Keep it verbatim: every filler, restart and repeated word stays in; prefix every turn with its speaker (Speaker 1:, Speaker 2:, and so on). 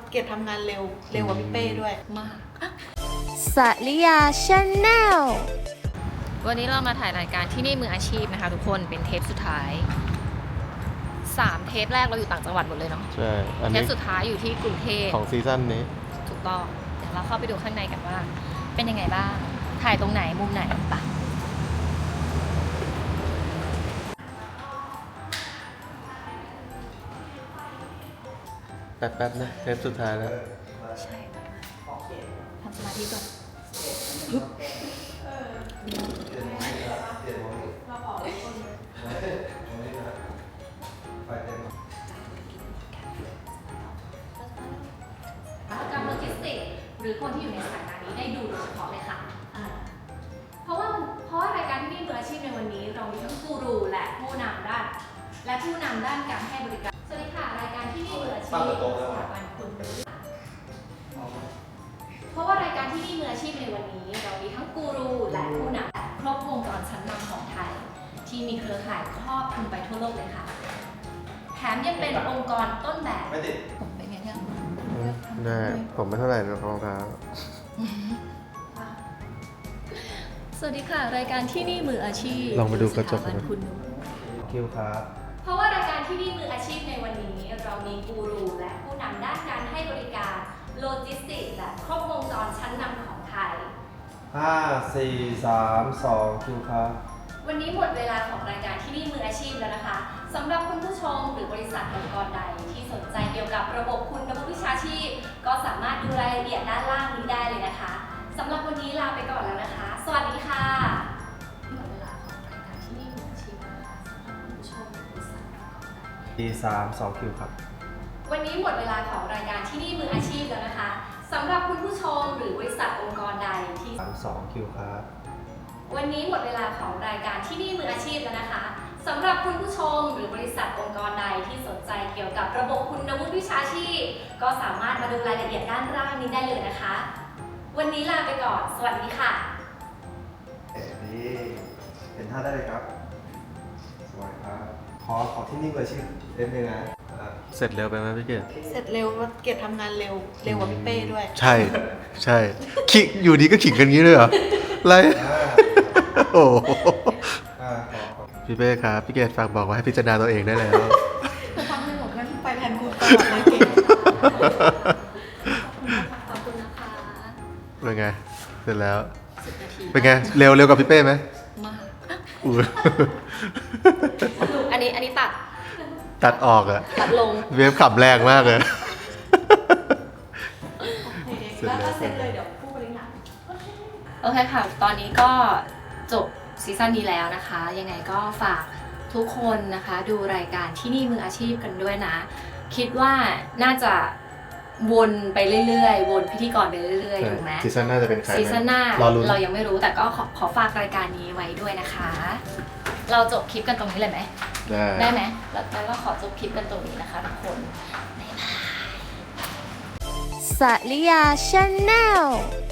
Speaker 1: เกดทำงานเร็วเร็วกว่าพี่เป้ด้วยมาก
Speaker 2: สริยาชาแนล
Speaker 3: วันนี้เรามาถ่ายรายการที่นี่มืออาชีพนะคะทุกคนเป็นเทปสุดท้ายสามเทปแรกเราอยู่ต่างจังหวัดหมดเลยเนาะ
Speaker 4: ใช่อัน
Speaker 3: เท
Speaker 4: นี้
Speaker 3: ปสุดท้ายอยู่ที่กรุงเทพ
Speaker 4: ของซีซั่นนี้
Speaker 3: ถูกต้องเดี๋ยวเราเข้าไปดูข้างในกันว่าเป็นยังไงบ้างถ่ายตรงไหนมุมไหนปะ
Speaker 4: แป๊บๆนะเทปสุดท้ายแล้ว
Speaker 3: ใช่ทำสมาธิก่อนกรรมโลจิสติกส์หรือคนที่อยู่ในสายงานนี้ได้ดูโดยเฉพาะเลยค่ะเพราะว่าเพราะว่ารายการที่นี่มืออาชีพในวันนี้เรามีทั้งกูรูและผู้นำด้านและผู้นำด้านการให้บริการสวัสดีค่ะรายการที่นี่มืออาชีพสถาบันคุณเพราะว่ารายการที่นี่มืออาชีพในวันนี้เรามีทั้งกูรูและผู้นำครบวงจรชั้นนำของไทยที่มีเครือข่ายครอบคลุมไปทั่วโลกเลยค่ะแถมยังเป็นองค์กรต้นแบบผมเป็นไงเนี่ย
Speaker 4: ได้ผมไม่เท่าไหร่หรอกรองเท้า
Speaker 3: สวัสดีค่ะรายการที่นี่มืออาชีพ
Speaker 4: ลองไปดูกระจกกัน
Speaker 3: คุณ
Speaker 4: คิวครับ
Speaker 3: เพราะว่ารายการที่นี่มืออาชีพในวันนี้เรามีกูรูและผู้นำด้านการให้บริการโลจิสติกส์และครบวงจรชั้นนำของไทย
Speaker 4: ห้า สี่ สาม สองคิวครับ
Speaker 3: วันนี้หมดเวลาของรายการที่นี่มืออาชีพแล้วนะคะสำหรับคุณผู้ชมหรือบริษัทองค์กรใดที่สนใจเกี่ยวกับระบบคุณวุฒิวิชาชีพก็สามารถดูรายละเอียดด้านล่างนี้ได้เลยนะคะสำหรับวันนี้ลาไปก่อนแล้วนะคะสวัสดีค่ะหมดเวลาของรายการที่นี่มืออาชีพนะคะสำหรับคุณผู้ชมหรือบริษัทองค์กรใด
Speaker 4: สี่ สาม สองคิวครับ
Speaker 3: วันนี้หมดเวลาของรายการที่นี่มืออาชีพแล้วนะคะสำหรับคุณผู้ชมหรือบริษัทองค์กรใดที่
Speaker 4: สาม สองคิวครับ
Speaker 3: วันนี้หมดเวลาของรายการที่นี่มืออาชีพแล้วนะคะสำหรับคุณผู้ชมหรือบริษัทองค์กรใดที่สนใจเกี่ยวกับระบบคุณวุฒิวิชาชีพก็สามารถมาดูรายละเอียดด้านล่างนี้ได้เลยนะคะวันนี้ลาไปก่อนสวัสดีค่ะ
Speaker 5: นี่เป็นท่าได้เลยครับสวัสดีครับขอขอที่นี่มืออาชีพเล่นเลยนะ
Speaker 4: เสร็จเร็วไปไหมพี่เกด
Speaker 1: เสร็จเร็วเกดทำงานเร็วเร็วกว่าพี่เป้ด้วย
Speaker 4: ใช่ใช่ขิงอยู่ดีก็ขิงกันงี้เลยเหรออะไรโอ้พี่เป้ครับพี่เกดฝากบอกว่าให้พิจารณาตัวเองได้แล้ว
Speaker 1: ทำให้หมดงั้นไปแทนกูตลอดเลยเกด
Speaker 3: ขอบคุณนะคะ
Speaker 4: เป็นไงเสร็จแล้วเป็นไงเร็วเร็วกับพี่เป้ไหม
Speaker 3: มาก
Speaker 4: อู้
Speaker 3: อันนี้อันนี้ตัด
Speaker 4: ตัดออกอะ
Speaker 3: ตัดลง
Speaker 4: เวฟขับแรงมากเลย
Speaker 1: แล้วก็เสร็จเลยเดี๋ยวผู้บริหาร
Speaker 3: โอเคค่ะตอนนี้ก็จบซีซั่นนี้แล้วนะคะยังไงก็ฝากทุกคนนะคะดูรายการที่นี่มืออาชีพกันด้วยนะคิดว่าน่าจะวนไปเรื่อยๆวนพิธีกรไปเรื่อยๆถูกไหม
Speaker 4: ซีซั่นหน้าจะเป็นใคร
Speaker 3: ซีซั่นหน้า
Speaker 4: เรา
Speaker 3: เรายังไม่รู้แต่ก็ขอขอฝากรายการนี้ไว้ด้วยนะคะเราจบคลิปกันตรงนี้เลยไหม
Speaker 4: ได้
Speaker 3: ได้ไหมแล้วเราขอจบคลิปกันตรงนี้นะคะทุกคนบ๊ายบาย
Speaker 2: สริยาชาแนล